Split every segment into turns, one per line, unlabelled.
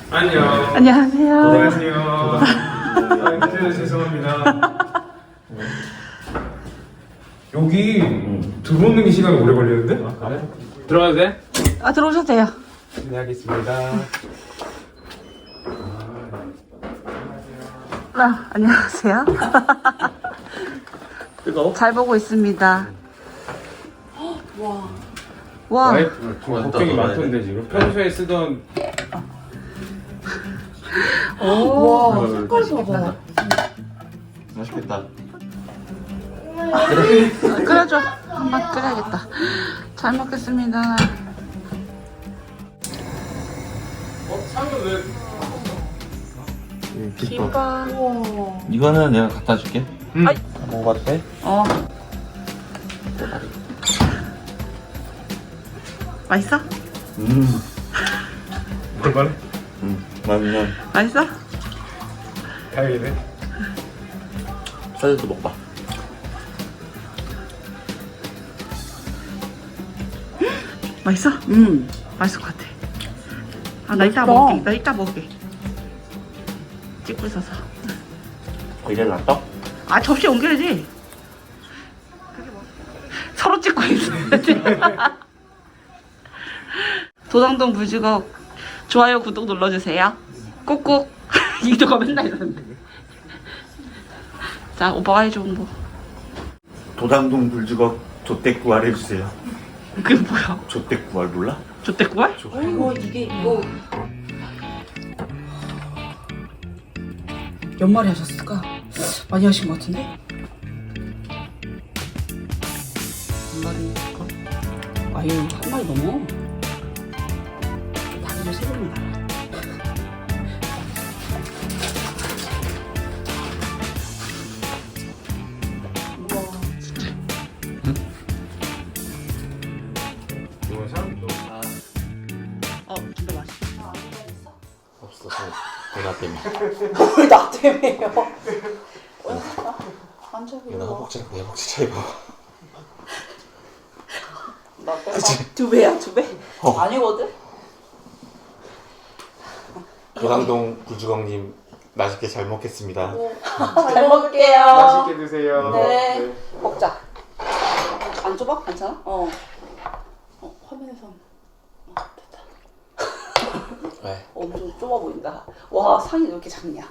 안녕.
안녕하세요.
안녕하세요. 그래서 죄송합니다. 여기 들어오는 게 시간이 오래 걸리는데? 아, 그래? 들어가도 돼?
아, 들어오셔도 돼요.
네, 알겠습니다.
아, 안녕하세요.
뜨거워?
잘 보고 있습니다. 와.
와이프 걱정이 많던데 지금 평소에 쓰던
와, 색깔 봐봐.
맛있겠다.
끓여줘. 한번 끓여야겠다. 잘 먹겠습니다.
상은 왜?
김밥.
이거는 내가 갖다 줄게.
아이.
먹어봐도 돼?
어. 맛있어?
얼마나?
맛있네.
맛있어?
다행이네.
사이드도 먹봐.
맛있어? 맛있을 것 같아. 아, 나 이따 먹을게. 나 이따 먹을게. 찍고 있어서.
이제 놨어?
아, 접시 옮겨야지. 서로 찍고 있어야지. 도당동 불주걱 좋아요, 구독 눌러주세요. 꾹꾹. 이도가 맨날 이러는데. 자, 오빠가 해줘, 홍보.
도당동 불주걱 조떼구알 해주세요.
그게 뭐야?
조떼구알 몰라?
조떼구알?
이거 이게 이거
몇 마리 하셨을까? 많이 하신 것 같은데? 한 마리일까? 아유, 한 마리 넘어. 다리를 세 번이나 달아.
이건 사람 너.
진짜 맛있어.
없어. 누나 때문에.
나 때문에요. 앉아요.
누나 허벅지랑 내 허벅지 차이 봐.
나 빼봐. 두 배야, 두 배? 아니거든.
도당동 불주걱님 맛있게 잘 먹겠습니다.
잘 먹을게요.
맛있게 드세요.
네. 먹자. 안 좁아? 괜찮아? 화면에선 됐다.
왜?
엄청 좁아 보인다. 와, 상이 왜 이렇게 작냐?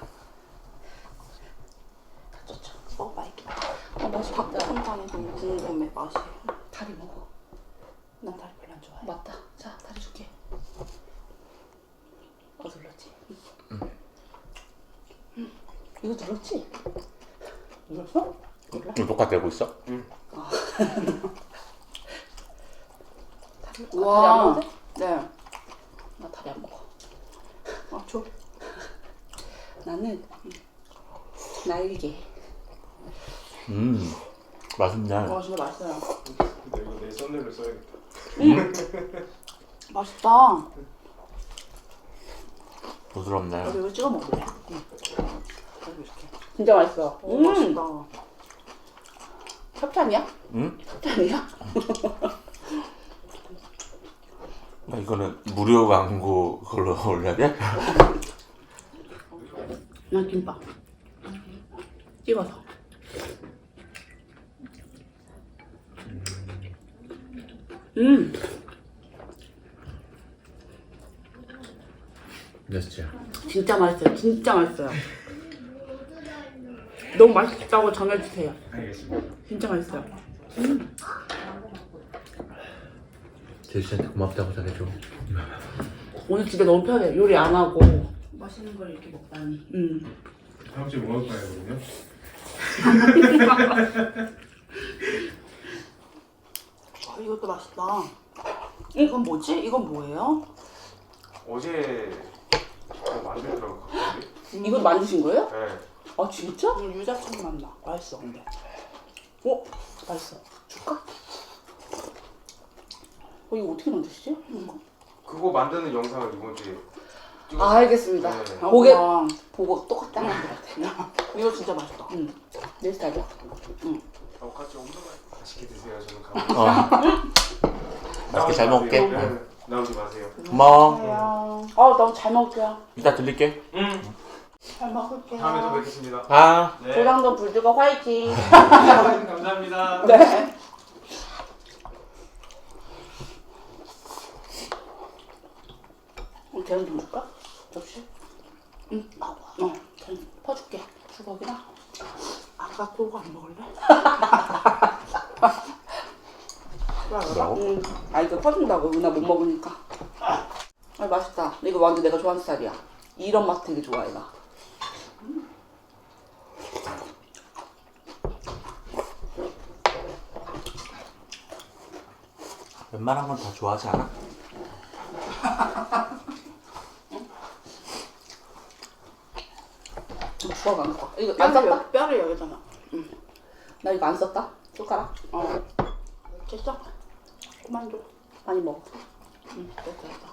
다 쪘죠. 먹어봐 이렇게. 맛이 닭볶음탕이 너무 궁금해 맛이. 다리 먹어. 난 다리 별로 안 좋아해. 맞다. 자, 다리 줄게. 눌렀지? 이거 눌렀지? 눌렀어? 몰라?
똑같이 되고 있어?
다리
와.
안 먹어?
네.
나 다리 안 먹어.
줘.
나는 날개.
맛있네.
와, 진짜 맛있어요.
근데 이거 내 손으로 써야겠다.
맛있다.
부드럽네.
여기 이거 찍어 먹을래?
응.
여기 이렇게.
진짜 맛있어.
오, 맛있다.
협찬이야?
응?
협찬이야?
이거는 무료 광고 그걸로 올려야 돼?
난 김밥. 찍어서.
몇이야?
진짜 맛있어요. 진짜 맛있어요. 너무 맛있다고 전해주세요.
알겠습니다.
진짜 맛있어요.
제시한테 고맙다고 전해줘.
오늘 집에 너무 편해. 요리 안 하고 맛있는 걸 이렇게 먹다니.
다음 주에 뭐 할 거예요, 그러면?
이것도 맛있다. 이건 뭐지? 이건 뭐예요?
어제 뭐 만들더라고 갑자기.
이거 만드신 거예요?
네.
아 진짜?
유자청 맛 나. 맛있어, 근데.
어? 맛있어. 줄까? 이거 어떻게 만드시지?
그거 만드는 영상을 이번 주에 찍었어요.
아, 알겠습니다.
네.
보게
와,
보고 똑같이 하는 것 같아.
이거 진짜 맛있다.
내 스타일이야.
같이 엄청 맛있게 드세요. 저는 가고.
맛있게 잘 먹을게.
네. 나오지 마세요.
고마워.
너무 잘 먹을게요.
이따 들릴게.
잘 먹을게요.
다음에 또 뵙겠습니다.
아.
네.
조상동 불주거 화이팅.
감사합니다.
네. 계란 좀 줄까? 접시? 응. 계란 퍼줄게. 주걱이랑. 아까 그거 안 먹을래?
뭐라고?
이거 퍼준다고. 은하 못 먹으니까. 맛있다. 이거 완전 내가 좋아하는 스타일이야. 이런 맛 되게 좋아, 얘가.
웬만한 건 다 좋아하지 않아?
주걱 안 써. 이거 안 썼다?
뼈를 여기다가.
나 이거 안 썼다? 숟가락?
됐어? 그만 줘.
많이 먹어.
됐다.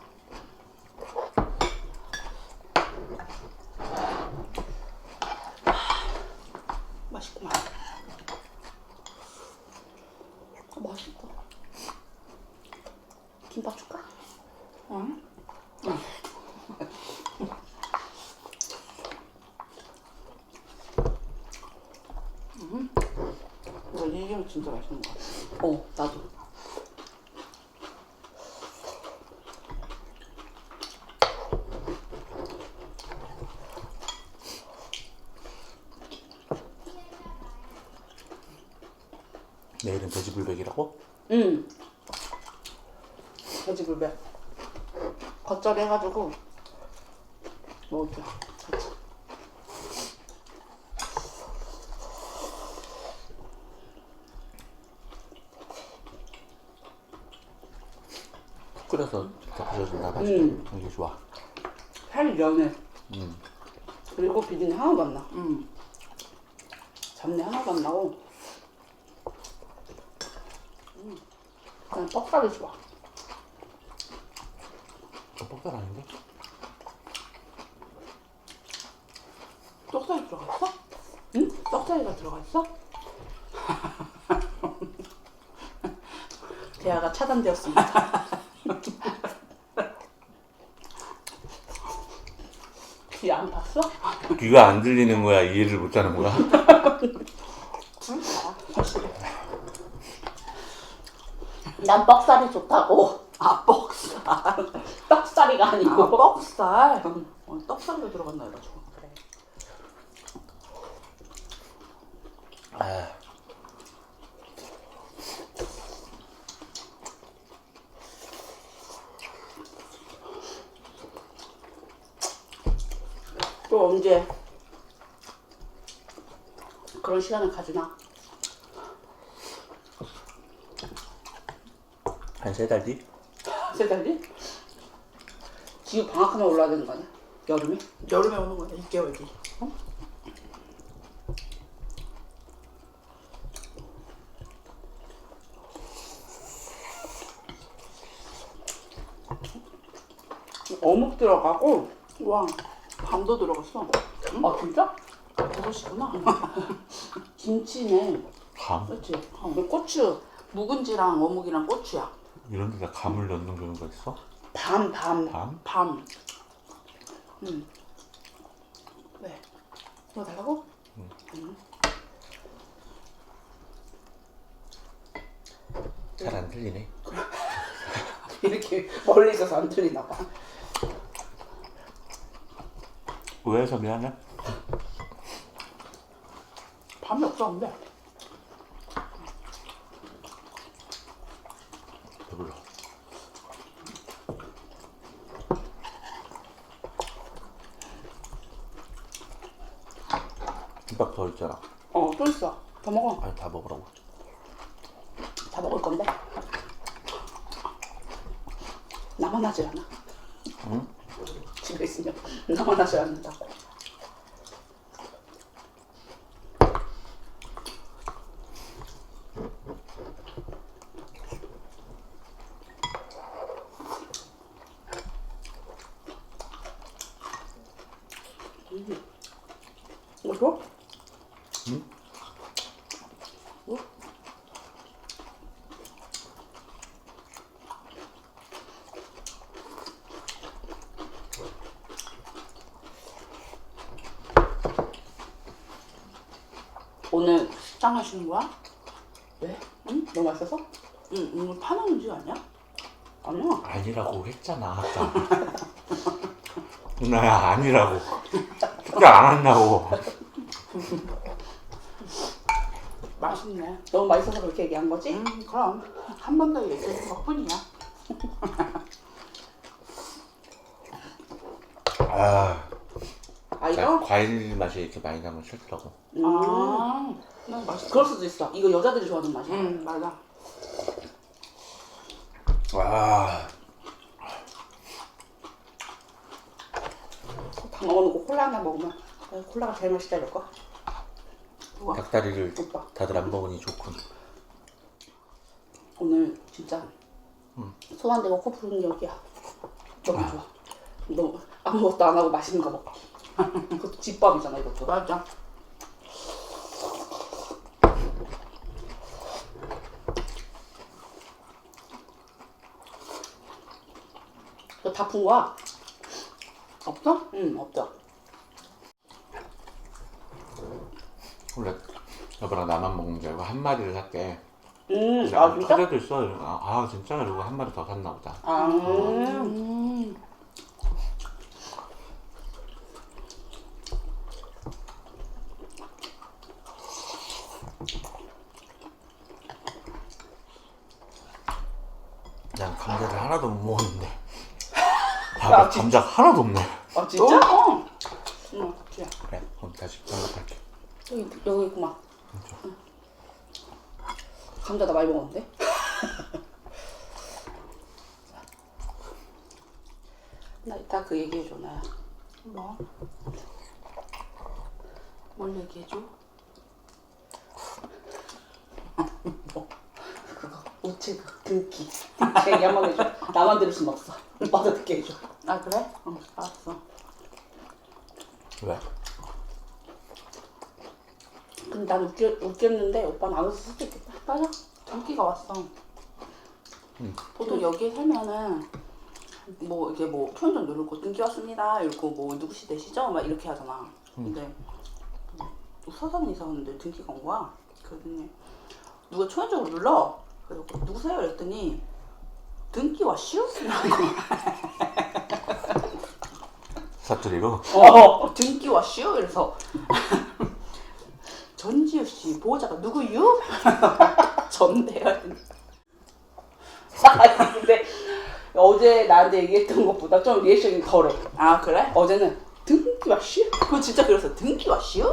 맛있구만.
맛있다. 김밥 줄까?
응?
이거 이게 진짜 맛있는 거 같아. 나도.
내일은 돼지불백이라고?
응. 돼지불백. 겉절이 해가지고 먹을게요. 같이.
푹 끓여서 부셔준다. 맛있게. 이게 좋아.
살이 연해.
음.
그리고 비린내 하나도 안 나. 잡내 하나도 안 나고. 그냥 떡살이 좋아.
떡살 아닌데?
떡살이 들어가 있어? 응? 떡살이가 들어가 있어? 대화가 차단되었습니다. 귀 안 봤어?
귀가 안 들리는 거야? 이해를 못 하는 거야?
난 뻑살이 좋다고. 뻑살. 떡살이가 아니고. 뻑살. 떡살도 들어갔나 해가지고. 그래.
아.
또 언제 그런 시간을 가지나?
한 3달 뒤?
3달 뒤? 지금 방학하면 올라야 되는 거 아니야? 여름에?
여름에 오는 거야. 6개월 뒤.
어묵 들어가고.
와, 밤도 들어갔어.
아 진짜?
버섯이구나.
김치네.
감?
그렇지. 고추. 묵은지랑 어묵이랑 고추야.
이런 데다 감을 넣는 경우가 있어?
밤.
밤?
밤.
왜? 너 달라고?
잘 안 들리네.
이렇게 멀리 있어서 안 들리나 봐.
오해해서 미안해.
밤이 없었는데.
배불러. 김밥 더 있잖아.
또 있어. 더 먹어.
아니 다 먹으라고.
다 먹을 건데. 나만 하지 않아.
응?
집에 있으면 나만 하지 않는다고. 이거 줘?
응?
뭐? 오늘 식당 하시는 거야? 왜? 응? 너무 맛있어서? 응, 오늘 파는 음식 아니야? 아니야.
아니라고 했잖아 아까. 누나야 아니라고. 숙제 안 한다고.
맛있네. 너무 맛있어서 그렇게 얘기한 거지? 그럼 한 번 더 얘기해준 것 뿐이야.
아,
아 이거?
과일 맛이 이렇게 많이 나면 싫더라고.
난 맛있어. 그럴 수도 있어. 이거 여자들이 좋아하는 맛이야. 맞아.
와,
다 먹어놓고 콜라 하나 먹으면 콜라가 제일 맛있다 이럴 거. 우와.
닭다리를
오빠.
다들 안 먹으니 좋군.
오늘 진짜 손 안 대고 코 푸는 게 여기야. 너무 좋아. 너 아무것도 안 하고 맛있는 거 먹어. 그것도 집밥이잖아 이것도. 맞아. 너 다 푼 거야? 없어? 응, 없어.
원래 여보랑 나만 먹는 줄 알고 한 마리를 샀대.
아 진짜?
카드도 있어. 아 진짜? 이러고 한 마리 더 샀나 보다.
아,
난 감자를 하나도 못 먹었는데.
야,
밥에 감자 하나도 없네.
아 진짜? 어. 응, 그래.
그래, 그럼 다시 연락할게.
여기 있구만. 응. 감자 나 많이 먹었는데? 나 이따 그 얘기해줘, 나야. 뭐? 뭘 얘기해줘? 뭐? 그거, 우체국, 등기. 제 얘기 한번 해줘. 나만 들을 순 없어. 오빠도 듣게 해줘. 아, 그래? 응, 알았어.
왜?
근데 난 웃겼는데 오빠는 안 웃을 수도 있겠다. 맞아. 등기가 왔어. 보통 여기에 살면은 뭐 이게 뭐 초인종 누르고 등기 왔습니다. 이러고 뭐 누구시 되시죠? 막 이렇게 하잖아. 근데 서산에 이사 왔는데 등기가 온 거야. 그랬더니 누가 초인종을 눌러. 그래서 누구세요? 이랬더니 등기 왔슈?
사투리로?
등기 왔슈? 이래서 전지우 씨 보호자가 누구유? 전데요. 아니 근데 어제 나한테 얘기했던 것보다 좀 리액션이 덜해. 아 그래? 어제는 등기 왔슈? 그거 진짜 그랬어. 등기 왔슈?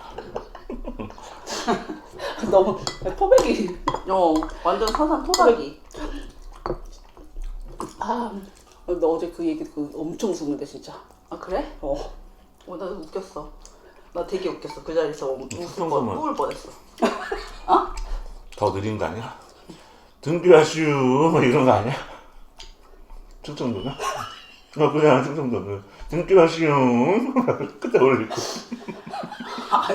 너무 토백이. 완전 서산 토박이. 아, 너 어제 그 얘기 엄청 웃었는데 진짜. 아 그래? 나 웃겼어. 나 되게 웃겼어. 그 자리에서 웃을 뻔했어. 어?
더 느린 거 아니야? 등기하슈 이런 거 아니야? 충청도는? 그냥 충청도는 등기하슈 그때 올리고.
아니.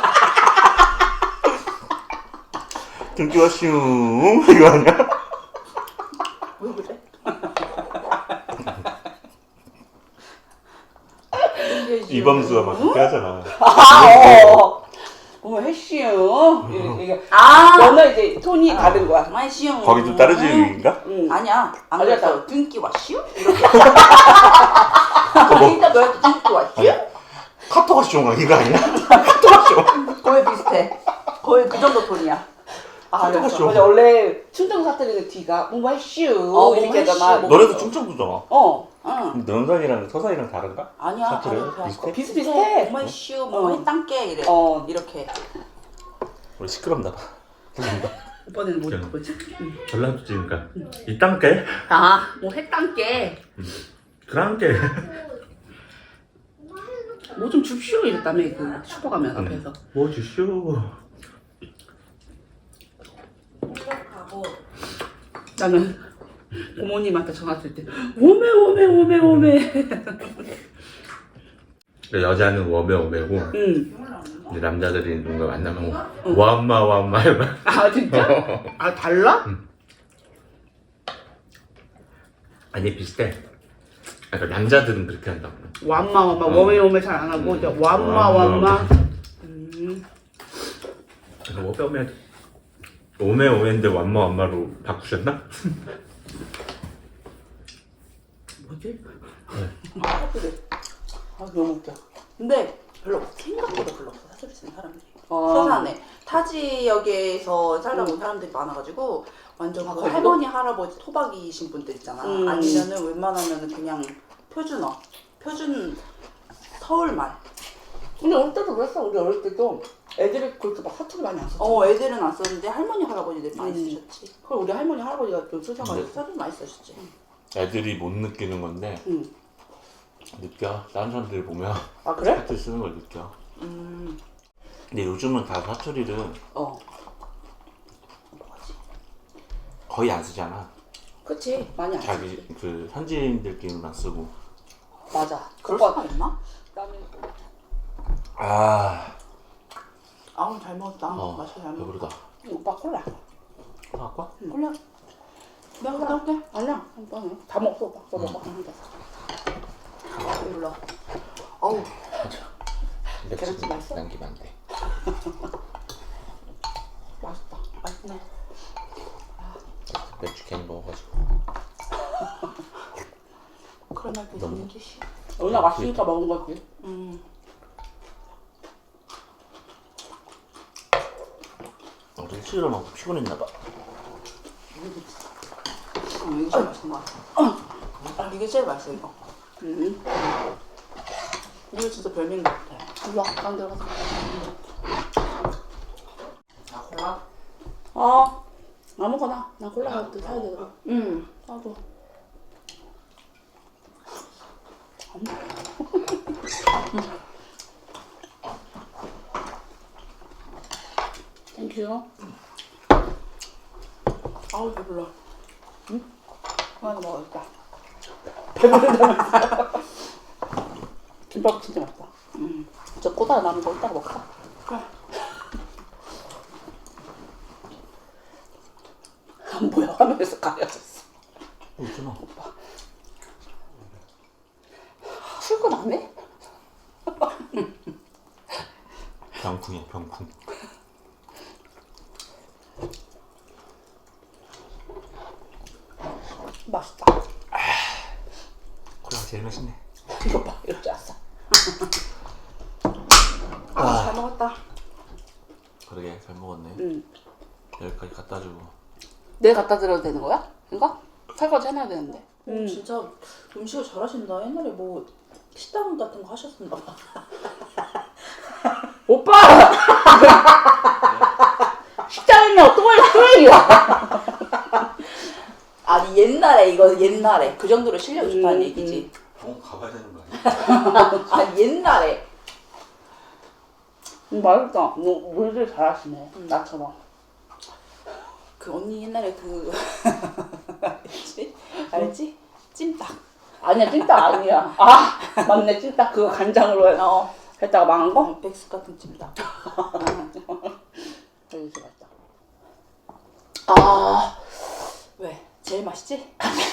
등기하슈 이거 아니야?
왜 그래?
이범수가 막 그렇게 하잖아.
어머 해시요. 이게 너는 이제 톤이 다른 거야. 마시요.
거기도 따르지인가?
아니야. 안 그랬어. 등기 왔슈? 이렇게. 진짜 너한테 등기 왔슈?
카톡하쇼 이거 아니야? 카톡하쇼.
거의 비슷해. 거의 그 정도 톤이야. 아,
카톡하쇼.
맞아. 원래 충청 사투리는 뒤가 뭔가 해슈 이렇게 하잖아.
너네도 충청도잖아.
응.
능선이랑 서산이랑 다른가?
아니야.
사투리는 비슷해?
비슷비슷해.
뭐슈 뭐 해땅게 이래. 이렇게.
우리 시끄럽나 봐.
오빠는 뭐 뭐지?
전라도 찍으니까 이 땅게?
뭐 해땅게.
그랑게.
뭐 좀 줍쇼 이랬다며 그 슈퍼 가면 앞에서.
뭐 주쇼.
나는 부모님한테 전화 왔을 때 오메
여자는 워메오메고 이제 남자들이 누군가 만나면 와엄마 이러고.
아 진짜? 아 달라?
아니 비슷해. 그러니까 남자들은 그렇게 한다고.
왬마 오메 잘 안 하고 이제 왬마
뭐 뼈매 오메오메인데 완마완마로 바꾸셨나?
뭐지? 아 그래. 아 너무 웃겨. 근데 별로 생각보다 별로 없어 사투리 쓰는 사람들이. 서산에 타지역에서 살다 온 사람들이 많아가지고 완전 그 할머니 할아버지 토박이신 분들 있잖아. 아니면은 웬만하면은 그냥 표준 서울말.
근데 어릴 때도 그랬어. 우리 어릴 때도 애들이 그렇게 막 사투리 많이 안 썼잖아.
애들은 안 썼는데 할머니 할아버지들 많이 쓰셨지. 그리고 우리 할머니 할아버지가 좀 쓰셔가지고 사투리 많이 쓰셨지.
애들이 못 느끼는 건데 느껴. 다른 사람들 보면
아 그래?
사투리 쓰는 걸 느껴. 근데 요즘은 다 사투리를 거의 안 쓰잖아.
그치. 많이 안
자기
쓰지.
그 현지인들끼리만 쓰고.
맞아.
그럴 수가 있나?
아,
아우 잘 먹었다. 맛있게 잘 먹었다.
배부르다.
오빠 콜라.
아까?
콜라. 내가 갔다 올게.
아니야. 오빠 다 먹어 오빠. 너 먹어.
몰라. 어우.
계란찜 맛있어?
남기면 안 돼.
맛있다.
맛있네.
맥주 괜히 먹어가지고.
그런 말도 있는 게 싫어.
누나 맛있으니까 먹은 거지.
어제 술을 먹고 피곤했나봐.
이게 제일 맛있는 거 같아. 이게 제일 맛있어 이거. 이거 진짜 별미인 것 같아.
일로 와. 딴 데 가서.
아 콜라?
아무거나. 나 콜라 가도 사야 되더라. 나도. 땡큐.
아우 배불러.
하나 먹었다. 배부르다. 김밥 진짜 맛있다. 저 꼬다가 남은 거 이따가 먹자.
그래.
안 보여. 화면에서 가려졌어.
있잖아.
출근 안 해?
병풍이야, 병풍.
맛있다.
콜라가 제일 맛있네.
이거 봐. 이럴 줄 알았어.
잘 먹었다.
그러게, 잘 먹었네. 여기까지 갖다 주고.
내가 갖다 드려도 되는 거야? 이거? 설거지 해놔야 되는데.
진짜 음식을 잘하신다. 옛날에 뭐 식당 같은 거 하셨었나 봐.
오빠! 식당이면 오토바이 스토리야.
아니 옛날에 이거 옛날에 그 정도로 실력이 좋다는 얘기지.
병원 가봐야 되는 거 아니야?
아니 옛날에.
맛있다. 요리를 잘하시네. 나처럼.
그 언니 옛날에 그 알지? 찜닭.
아니야, 찜닭 아니야. 아, 맞네, 찜닭 그거 간장으로 했다가 망한 거?
백숙 같은 찜닭.
여기 진짜 맛있다.
왜? 제일 맛있지?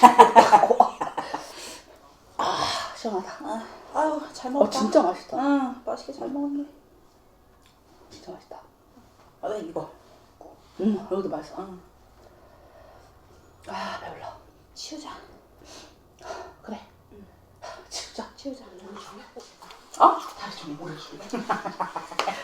시원하다.
아유 잘 먹었다.
진짜 맛있다.
응 맛있게 잘 먹었네.
진짜 맛있다.
아 나 이거.
여기도 맛있어. 배불러.
치우자.
그래. 치우자.
치우자.
다리 좀 오래 줄래?